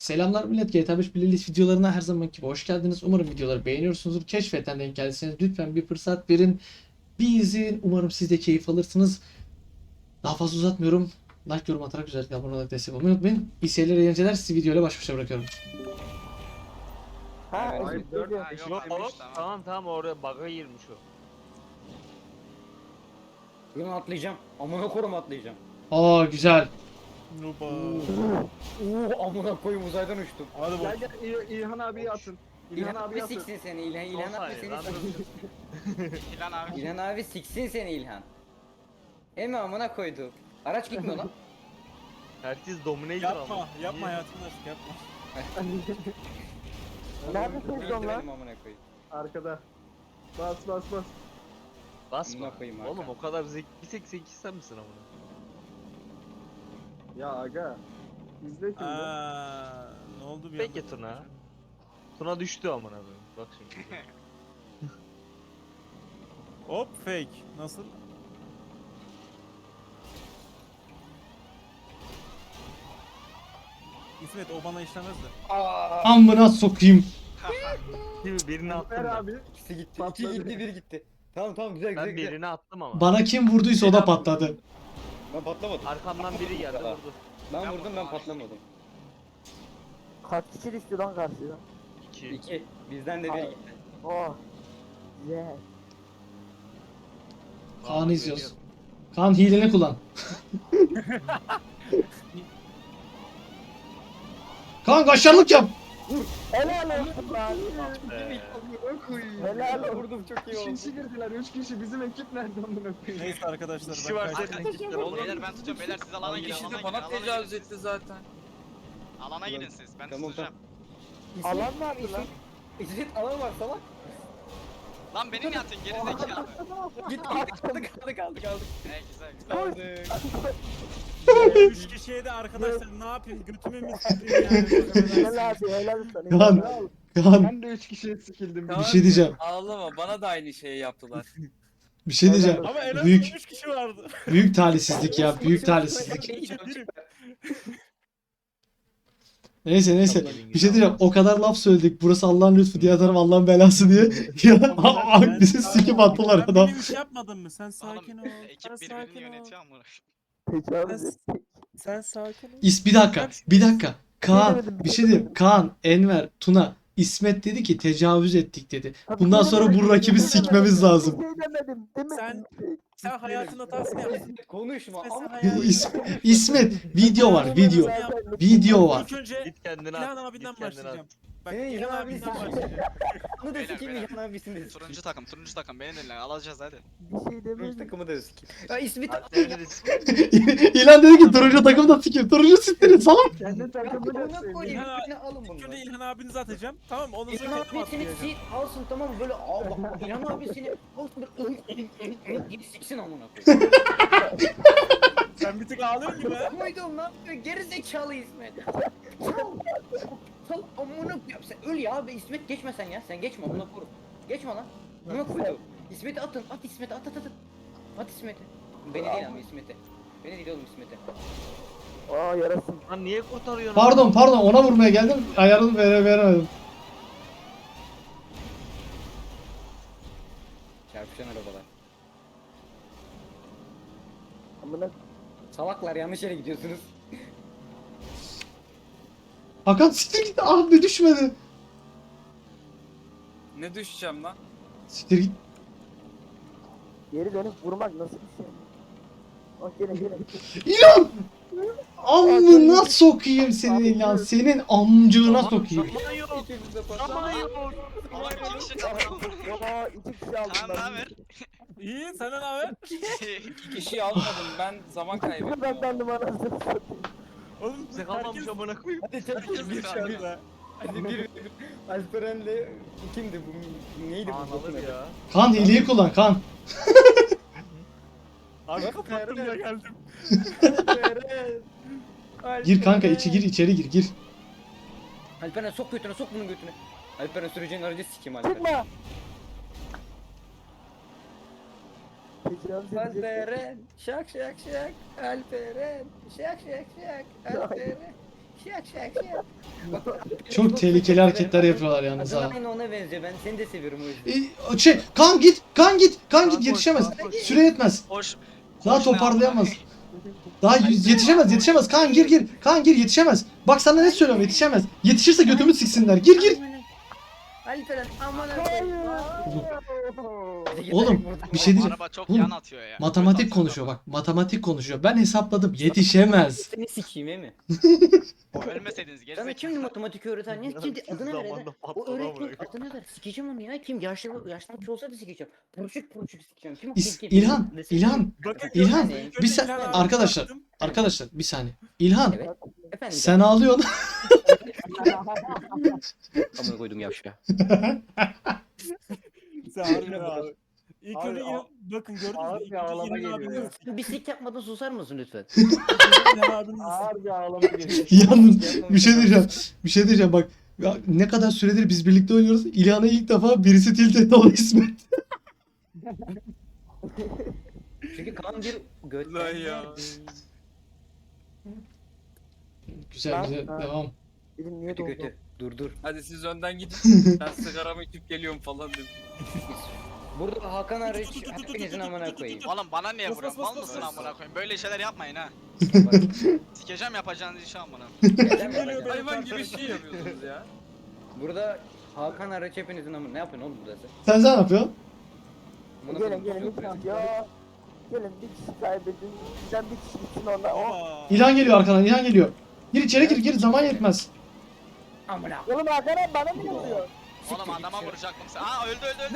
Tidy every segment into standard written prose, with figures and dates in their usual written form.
Selamlar millet, GTA 5 playlist videolarına her zamanki gibi hoş geldiniz. Umarım videoları beğeniyorsunuzdur. Keşfetten denk geldiyseniz lütfen bir fırsat verin. Bir izin. Umarım siz de keyif alırsınız. Daha fazla uzatmıyorum. Like, yorum atarak, özellikle abone olarak destek olmayı unutmayın. İyi seyirler, eğlenceler. Sizi videoyla baş başa bırakıyorum. Ha, Evet, Eşit dört- geliyor. Ha, Eşit. yok, Tamam, tamam. tamam tamam oraya bug'a girmiş o. Bunu atlayacağım. Amına korum atlayacağım. Aa güzel. Nuba. Amına koyayım uzaydan uçtum. Hadi Gel bak. gel İlhan abiyi atın. İlhan abi siksin seni İlhan. İlhan 10 abi saniye seni lan siksin. İlhan abi. İlhan abi siksin seni İlhan. Emi amına koydu. Araç gitmiyor lan. Herkes dominator Yapma, ama. yapma Niye? hayatımda aşk yapma. Neredesin Öldü son lan? benim amına koyayım. Arkada. Bas bas bas. Basma. Amına koyayım Oğlum Hakan. o kadar bir tek zeki sen misin amına? Ya aga. İzle şimdi. Ne oldu bir Peki anda? Tuna. Tuna düştü amına koyayım. Bak şimdi. Hop fake. Nasıl? İsmet o bana işlemez de. Amına sokayım. Değil mi? Birini attım Ver ben. abi. İkisi gitti. Patladı. İki gitti bir gitti. Tamam tamam güzel güzel Ben güzel. birini attım ama. Bana kim vurduysa o da patladı. Ben patlamadım. Arkamdan biri geldi vurdu. Ben vurdum ben patlamadım. Kaç kişi düştü lan karşıya? 2. İki. Bizden de bir Ay. gitti. Oh. Güzel. Kaan'ı izliyoruz. Kaan hileni kullan. Kaan kaşarlık yap. Helal olsun lan. Helal olsun. Vurdum çok iyi Üç oldu. kişi girdiler. 3 kişi. Bizim ekip nerede amına koyayım? Neyse arkadaşlar İkisi ben var kaçtım. senin ekipten oğlum. Beyler ben tutuyorum, beyler siz alana girin. İkisi Alana de girin, bana alana tecavüz girin. etti zaten. Alana girin siz. Ben Tamam, tutacağım. Alan mı abi lan? İzzet alan var salak. Lan beni niye atın geri zekalı? Git kaldık. Güzel güzel. Kaldık. 3 kişiye de arkadaşlar ne yapayım götümü mü sıkayım yani? Helal abi helal olsun. Kaan, Kaan Ben de 3 kişiye sikildim. bir şey diyeceğim. Ağlama bana da aynı şeyi yaptılar. Bir şey diyeceğim. Ama en azından Büyük 3 kişi vardı. büyük talihsizlik ya. Büyük talihsizlik. Neyse. Bir şey diyeceğim. O kadar laf söyledik. Burası Allah'ın lütfu, diğer taraf Allah'ın belası diye. Ya bizi sikip attılar Ben adam. benim iş yapmadın mı? Sen sakin ol. Oğlum Sen ekip birbirini sakin ol. yönetiyor ama. Tecavüz et. Sen sakin ol. Bir dakika. Kaan, bir şey diyeyim. Kaan, Enver, Tuna, İsmet dedi ki tecavüz ettik dedi. Bundan sonra bu rakibi sikmemiz lazım. Bir şey demedim değil mi? Sen hayatın hatasını yaptın. Konuşma. Sen Ama İsmet, video var, video. Video var. İlk önce Git kendine İlhan at. abinden Git kendine başlayacağım. at. Bak Senin İlhan İlhan abinden abinin başlayacağım. onu da Beyler, sikeyim beyler. İlhan abisini de. Turuncu takım beni dinle, alacağız hadi. Bir şey Turuncu demedim. takımı da sikeyim. Ya İsmet Harflerini de İlan dedi ki turuncu takım da sikeyim. Turuncu siktirin salak. Kendi takımını Amına sevdim. koyayım. İlhan İlhan alın İlk bunu. önce İlhan abinizi atacağım. Tamam mı? Ondan İlhan sonra abi kendim seni atlayacağım. sit alsın tamam mı böyle bak İlhan abi seni alsın böyle git siksin amına koyayım. Sen bir tık ağlıyorsun gibi ha. Koydum lan geri zekalı İsmet. Sal amına koyayım sen öl ya abi İsmet geçme sen ya sen geçme amına koyayım. Geçme lan. Amına koydum. İsmet'i atın at İsmet'i at. At İsmet'i. Beni değil ama İsmet'i. Beni değil oğlum İsmet'i. Aa yarasın. Lan niye kurtarıyorsun? Pardon ona vurmaya geldim. Ayarını veremedim. Çarpışan arabalar. Amına Salaklar yanlış yere gidiyorsunuz. Hakan siktir git. Ah be düşmedi. Ne düşeceğim lan? Siktir git. geri dönüp vurmak nasıl bir şey? Bak gene. İlan! Amına sokayım senin İlan. Senin amcığına sokayım. Zaman yok. İkimiz de Zaman yok. Oğlum iki kişi takım. Aa 2 kişi aldım Kaan ne ben. haber? İyi senden ne haber? İki kişiyi almadım ben zaman kaybettim. Ben sandım anasını satayım. Oğlum Bize kalmamış amına koyayım. Hadi çabuk bir kaldı. Hadi bir Alperen'le kimdi bu? Neydi bu? Anılır bokun adı? ya. Kan hileyi kullan kan. Abi Bak, kapattım ya nerede? geldim. Alperen. Gir kanka içeri gir. Alperen sok götüne sok bunun götüne. Alperen süreceğin aracı sikeyim Alperen. Çıkma. Tecavüz edecek. Alperen şak şak şak Alperen şak şak şak Alperen Çok tehlikeli hareketler yapıyorlar yalnız Adın ha. aynı ona benziyor. Ben seni de seviyorum o yüzden. Kaan git yetişemez. Süre yetmez. Hoş. Daha hoş ne toparlayamaz. amına Daha yetişemez. Kaan gir yetişemez. Bak sana ne söylüyorum yetişemez. Yetişirse götümü siksinler. Gir. Alperen aman Oğlum bir şey diyeceğim. Araba çok Oğlum, yan atıyor ya. Matematik Kötü konuşuyor atıyor bak. Matematik konuşuyor. Ben hesapladım. Yetişemez. Seni sikeyim mi? araba. Ölmeseydiniz geri Sana zekalı. kimdi matematik öğreten? Ya kimdi? Adını ver. Zamanında O patladı öğretmen amına adını ver. Sikeceğim onu ya. Kim? Yaşlanmış olsa da sikeceğim. Purçuk sikeceğim. Kim o? Kim? İlhan. Bakın İlhan, gördünüz mü? bir sen- İlhan abi arkadaşlar. baktım. Arkadaşlar bir saniye. İlhan Evet. Efendim. sen ağlıyorsun. Amına koydum yavşa. Sen harbi abi. İlk Abi, önce bakın gördünüz mü? ağır İlk bir önce ağlama İlhan geliyor abinin ya. Bir sik yapmadan susar mısın lütfen? İlhan abinin Ağır bir ağlama geliyor. Yalnız bir şey diyeceğim bak. Ya ne kadar süredir biz birlikte oynuyoruz. İlhan'a ilk defa birisi tilt etti o İsmet. Çünkü kan bir göt. Lan ya. Güzel Ha. devam. Dedim niye Kötü doldu? kötü. Dur. Hadi siz önden gidin. Ben sigaramı içip geliyorum falan dedim. Burada Hakan hariç hepinizin amına koyayım. Oğlum bana niye Bas, vuruyorsun? bas, Mal bas, mısın bas. amına koyayım? Böyle şeyler yapmayın ha. Bak, Sikeceğim yapacağınız işi amına. neden geliyor böyle? be? Hayvan gibi şey yapıyorsunuz ya. Burada Hakan hariç hepinizin amına. Ne yapıyorsun oğlum burada Sen ne yapıyorsun? Amına Gelin koyayım. ya. Gelin bir kişi kaybedin. Bizden bir kişi gitsin orada. Oh. Aa. İlhan geliyor arkadan. İlhan geliyor. Gir içeri gir zaman yetmez. Amına. Oğlum Hakan abi bana mı vuruyor? Oğlum adama vuracaktım sen. Aa öldü.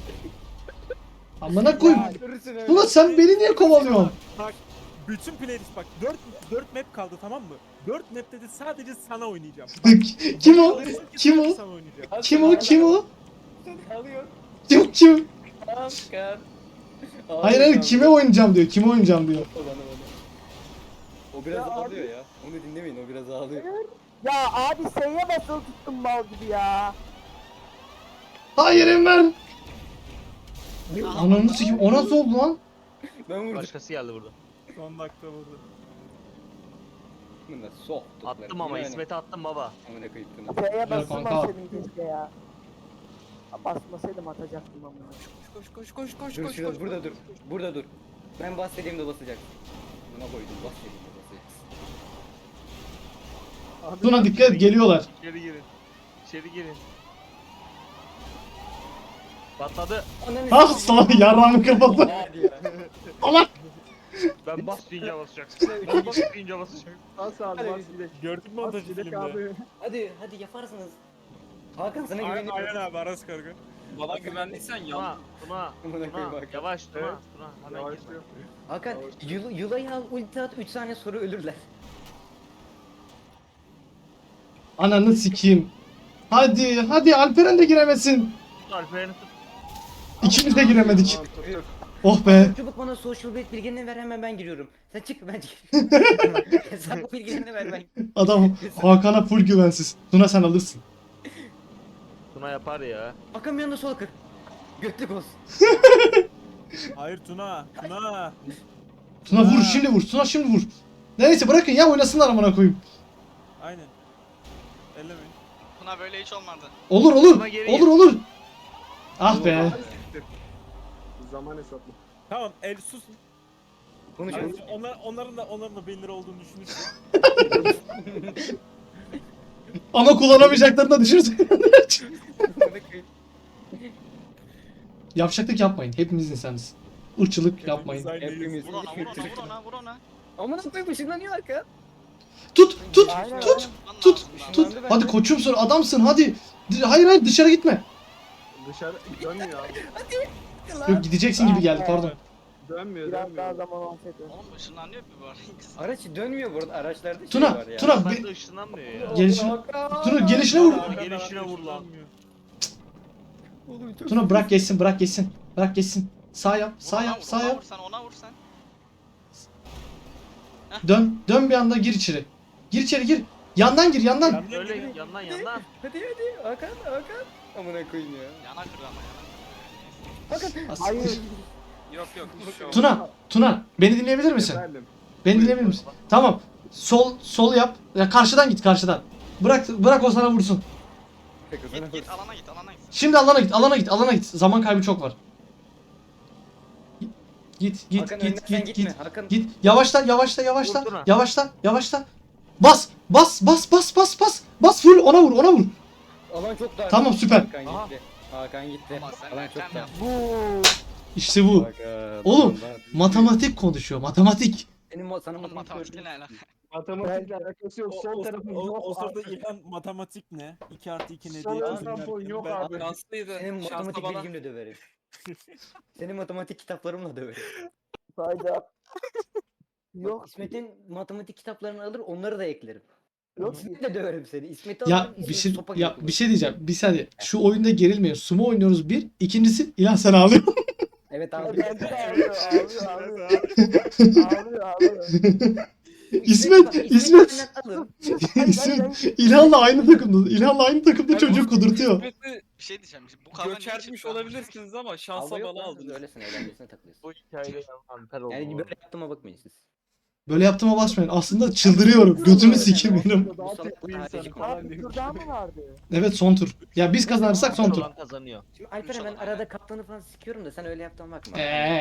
Amına koyayım. Görürsün öyle. Ulan sen beni niye kovalıyorsun? Bak bütün playlist bak 4 map kaldı tamam mı? 4 map'te de sadece sana oynayacağım. Kim o? Kim o? Sana oynayacağım. Kim o? Alıyor. Kim? Hakan. Hayır kime oynayacağım diyor. Kime oynayacağım diyor. O biraz ağlıyor ya. Onu dinlemeyin o biraz ağlıyor. Ya abi S'ye basılı tuttum mal gibi ya. Hayır Enver. Ananı sikeyim. O nasıl oldu lan? Ben vurdum. Başkası geldi burada. Son dakika vurdu. Bunu da soktu. Attım ama İsmet'e attım baba. Amına koyayım. S'ye kanka. basılmasaydım keşke ya. Basmasaydım atacaktım ama. Koş. Dur şurada burada dur. Burada dur. Ben bahsedeyim de basacak. Buna koydum bahsedeyim de basacaksın. Tuna dikkat et geliyorlar. İçeri girin. Patladı. Ananı Ah sana yarrağımı kırmadı. Hadi ya. Ben bas deyince basacaksın. Ben bas deyince basacaksın. Bas abi bas gidelim. Gördün mü Bas montajı gidelim filmde? abi. Hadi yaparsınız. Hakan sana Aynen, güveniyorum. aynen abi Aras Karga. Bana güvendiysen yan. Tuna. Amına koyayım Hakan. Yavaş Tuna. Evet. Tuna hemen Yavaş gir. diyor. Hakan Yulay'ı al ulti at 3 saniye sonra ölürler. Ananı sikeyim. Hadi Alperen de giremesin. Alperen'i tut. İkimiz de giremedik. Tamam, tut, tut. Oh be. Çabuk bana social bet bilgilerini ver hemen ben giriyorum. Sen çık ben çık. Hesap bilgilerini ver ben. Adam Hakan'a full güvensiz. Tuna sen alırsın. Tuna yapar ya. Hakan bir anda sola kır. Götlük olsun. Hayır Tuna. Tuna vur şimdi vur. Tuna şimdi vur. Neyse bırakın ya oynasınlar amına koyayım. Aynen. Ellemeyin. Tuna böyle hiç olmadı. Olur. Olur. Ah be. Zaman hesaplı. Tamam el susun. Konuşalım. Onların da beyinleri olduğunu düşünürsün. Ama kullanamayacaklarını da düşünürsün. Yavşaklık yapmayın. Hepimiz insanız. Irkçılık yapmayın. Hepimiz. Vur ona. Amına koyayım ışınlanıyor Hakan. Tut. Aynen. Tut. Işınlandı bende. Hadi koçumsun adamsın hadi. Hayır dışarı gitme. Dışarı dönmüyor abi. Yok gideceksin gibi geldi pardon. Dönmüyor Biraz daha dönmüyor. zaman olsaydı. Oğlum ışınlanıyor bir bu arada. Araç dönmüyor burada araçlarda şey Tuna, var ya. Tuna. Ben de ışınlanmıyor ya. Gelişine, Tuna gelişine vur. Gelişine vur lan. Tuna bırak geçsin. Sağ yap. Ona vur sen. Dön bir anda gir içeri. Gir içeri gir. Yandan gir yandan. Öyle yandan. Hadi Hakan. Amına koyayım ya. Yana kır ama yana. Hayır. Yok hiç şey olmaz. Tuna beni dinleyebilir misin? Efendim. Beni dinleyebilir misin? Tamam. Sol yap. Ya karşıdan git karşıdan. Bırak o sana vursun. Git alana git alana git. Şimdi alana git. Zaman kaybı çok var. Git. Hakan önden sen gitme. Hakan Git. Yavaşla. Vurdun ha. Yavaşla. Bas full ona vur. alan çok dar. Tamam, süper. Hakan gitti. Ama sen Alan erken çok dar. İşte bu. Hakan, Oğlum, alan dar. Matematik konuşuyor. Matematik. Sana Oğlum matematik matematikle ne alaka? Matematikle alakası yok. Sol tarafın yok. O sırada İlhan matematik ne? 2 artı 2 ne Sol diye tarafın çözümlerken yok ben- abi. Şanslıydı. Senin Şansla matematik bana. bilgimle döverim. Senin matematik kitaplarımla döverim. Hayda. Yok. İsmet'in matematik kitaplarını alır onları da eklerim. Yok. İsmet'i de döverim seni. İsmet'i Ya alırım. bir şey diyeceğim. Bir saniye. Şu oyunda gerilmeyin. Sumo oynuyoruz bir. İkincisi İlhan sen ağlıyor. Evet abi. Bence de ağlıyor. İsmet. benden alın. İsmet. İlhan'la aynı takımda. Çocuğu kudurtuyor. İsmet'i Bir şey diyeceğim. Bu kavga niye göçertmiş çıktı? olabilirsiniz ama şansa Alma yok bana lan, siz aldınız. öylesin eğlencesine takılıyorsun. Bu hikayede Alper oldu. Yani böyle yaptığıma bakmayın siz. Böyle yaptığıma basmayın. Aslında çıldırıyorum. Götümü sikeyim benim. Bu salak harici Abi bir tur daha mı vardı? Evet, son tur. Ya biz kazanırsak son tur. Olan kazanıyor. Şimdi Alperen ben arada kaptanı falan sikiyorum da sen öyle yaptığına bakma.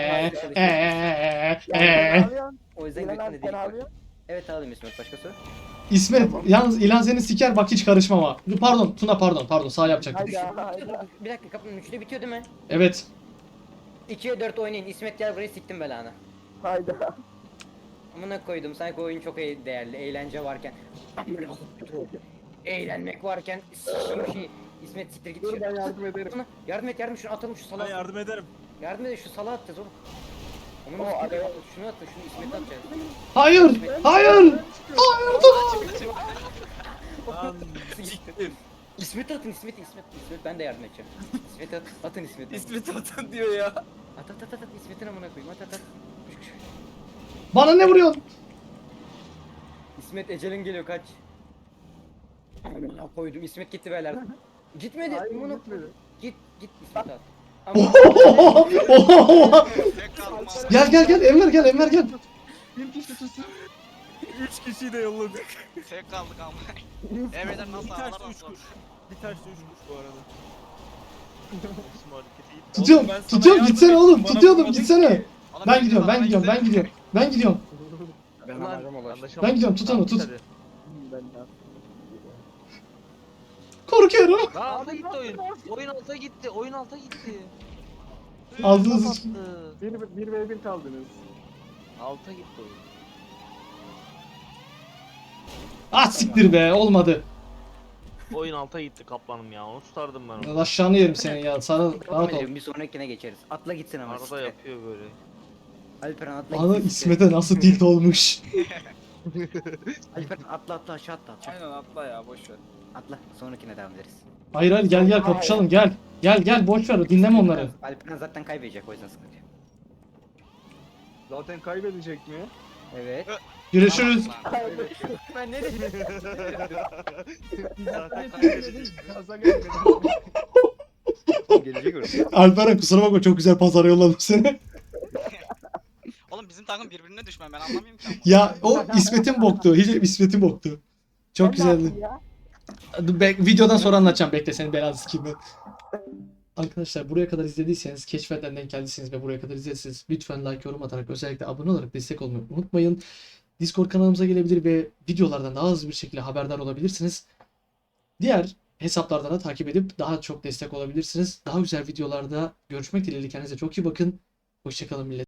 O yüzden İlan götüne abi değil sen bak. ağlıyor. Evet alayım İsmet başka soru. İsmet, yalnız İlhan seni siker bak, hiç karışmam ha. Pardon Tuna, pardon sağ yapacaktım. Hayda. Bir dakika kapının 3'te bitiyor değil mi? Evet. 2'ye 4 oynayın. İsmet gel buraya siktim belanı. Hayda. Amına koydum sanki oyun çok değerli. Eğlence varken. Amına koydum. Eğlenmek varken sikeyim şey. İsmet siktir git. Dur ben yardım ederim. Yardım şunu atalım şu Ben salağa. yardım ederim. Yardım edin şu salağa atacağız oğlum. Amına O siktir. araya- Şunu atın şunu İsmet'e atacağız. Hayır. Lan Siktim. İsmet'e atın İsmet ben de yardım edeceğim. İsmet'e atın İsmet'e. İsmet atan diyor ya. At İsmet'in amına koyayım at. Bana ne vuruyorsun? İsmet ecelin geliyor kaç. Amına koydum İsmet gitti beyler. Gitmedi. Hayır Amına gitmedi. Git İsmet at. Tek kaldım ama. Gel Enver gel. Bir kişi tutsun. 3 kişiyi de yolladık. Tek kaldık ama. Evden nasıl Bir taşla ağlarım 3 kuş. Bir taşla 3 kuş bu arada. İsim hareketi gitti. Oğlum ben sana Tutuyorum yardım gitsene ettim, oğlum. bana Tutuyordum vurmadın gitsene. ki. Ben gidiyorum. Ben gidiyorum. Ben gidiyorum, tut onu, tut. Korkuyorum. Lan alta gitti oyun. Oyun alta gitti. Ağzınızı Kapattı. Bir 1v1 kaldınız. Alta gitti oyun. Ah siktir be, olmadı. Oyun alta gitti kaplanım ya. Onu tutardım ben onu. Aşağını yerim senin ya. Sana rahat ol. Bir sonrakine geçeriz. Atla gitsin ama. Arada siktir. yapıyor böyle. Alperen atla Ana gitsin. İsmet'e nasıl tilt olmuş. Alperen atla aşağı atla. Aynen atla ya boş ver. Atla sonrakine devam ederiz. Hayır gel kapışalım gel. Gel boş ver, dinleme onları. Alperen zaten kaybedecek o yüzden sıkıntı yok. Zaten kaybedecek mi? Evet. Görüşürüz. Ben ne dedim? Zaten kaybedecek. Gaza gelmedim. Gelecek orası. Alperen kusura bakma, çok güzel pazara yolladım seni. Oğlum bizim takım birbirine düşman ben anlamıyorum ki ama. Ya o İsmet'in boktu. Hiç İsmet'in boktu. Çok güzeldi. Videodan sonra anlatacağım, bekle, seni belanı sikeyim ben. Arkadaşlar buraya kadar izlediyseniz, keşfetten denk geldiyseniz ve buraya kadar izlediyseniz lütfen like, yorum atarak, özellikle abone olarak destek olmayı unutmayın. Discord kanalımıza gelebilir ve videolardan daha hızlı bir şekilde haberdar olabilirsiniz. Diğer hesaplardan da takip edip daha çok destek olabilirsiniz. Daha güzel videolarda görüşmek dileğiyle, kendinize çok iyi bakın. Hoşçakalın millet.